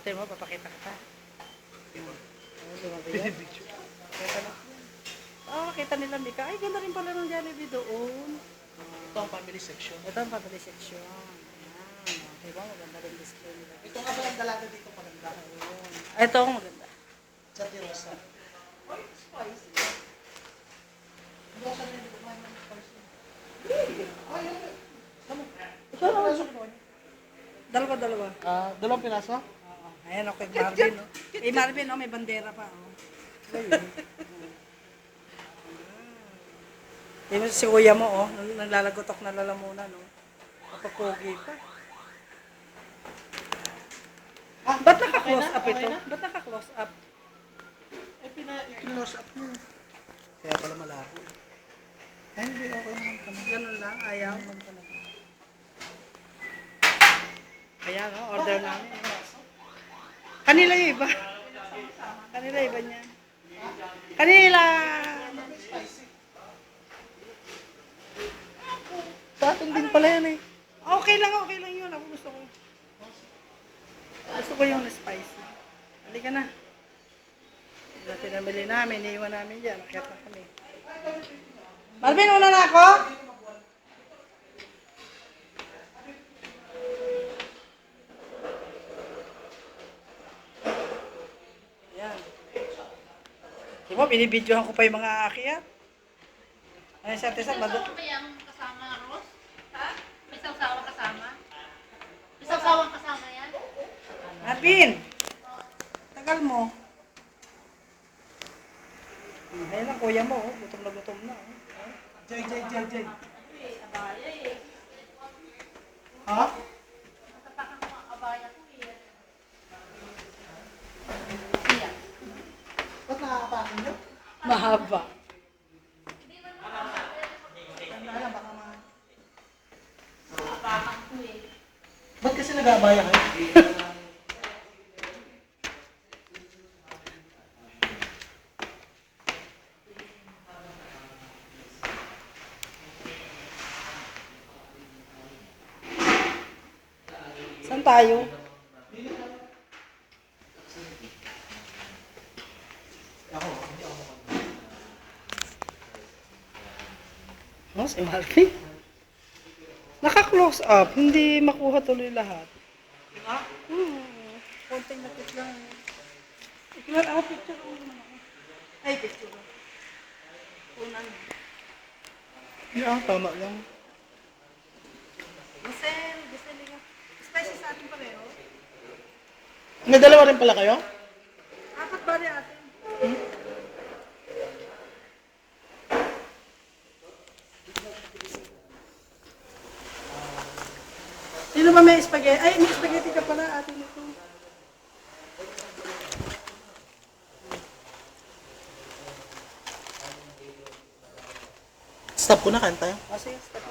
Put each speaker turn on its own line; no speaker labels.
Tingnan mo, papakita kita. Oh, lumabas yan. Kita na. Makita nila, Mika. Ay, ganda rin pala ng Jollibee doon.
Ito ang family section.
Ito ang family section. Ayan. Diba, maganda rin display nila.
Ito nga ba ang dalaga dito maganda?
Ayun. Ito ang maganda.
Sa Tirosa. Ay, spicy. Hindi ako sanay dito kumain ng spicy. Ay,
Dalawa.
dalawang piraso?
Oo. Ayan, okay, Marvin. No? Eh, Marvin, no? May bandera pa. Oh. Ayun. Tingnan si kuya mo, oh. Naglalagotok na lalamunan, no? Kapapogi pa. Ba't naka-close up ito? Ba't naka-close up?
Eh, i-close up niya. Kaya pala malabo. Ay, hindi ako naman kami.
Ganun lang, ayaw. Ayan, no? Order namin. Kanila yung iba. Kanila iba niya. Kanila!
Sa atin din pala yan eh.
Okay lang yun. Ako gusto ko. Gusto ko yung spicy. Halika na. Dati namili namin, iniiwan namin dyan. Nakita na kami. Marvin, una na ako? Ayan. Di ba, binibidyohan ko pa yung mga aakyat. Ayan, sa atin sa
Ano ba yung kasama, Ros? Ha? May sawsawang kasama? May sawsawang kasama yan?
Marvin! Tagal mo. Ayan ang kuya mo, oh. Gutom na gutom na. Oh.
Jay.
Abaya eh.
Ha?
Natapakan ko ang abaya ko eh.
Ba't nakakapakin nyo?
Mahaba.
Tandaan, baka
Natapakan ko eh.
Ba't kasi nag-aabaya kayo?
Saan tayo?
Ako, hindi ako makapag.
Oh, si Marvin. Naka-close up. Hindi makuha tuloy lahat.
Diba?
Konting lapit lang. Ikilan ako picture ko naman ako. Ay, picture ko. Unan.
Yeah, tama lang.
Giselle nga. Spicy sa atin pareho.
May dalawa rin pala kayo?
Apat ba rin atin? Sino ba may spaghetti? Ay, may spaghetti ka pala atin ito.
Stop ko na, kain tayo.
Kasi, stop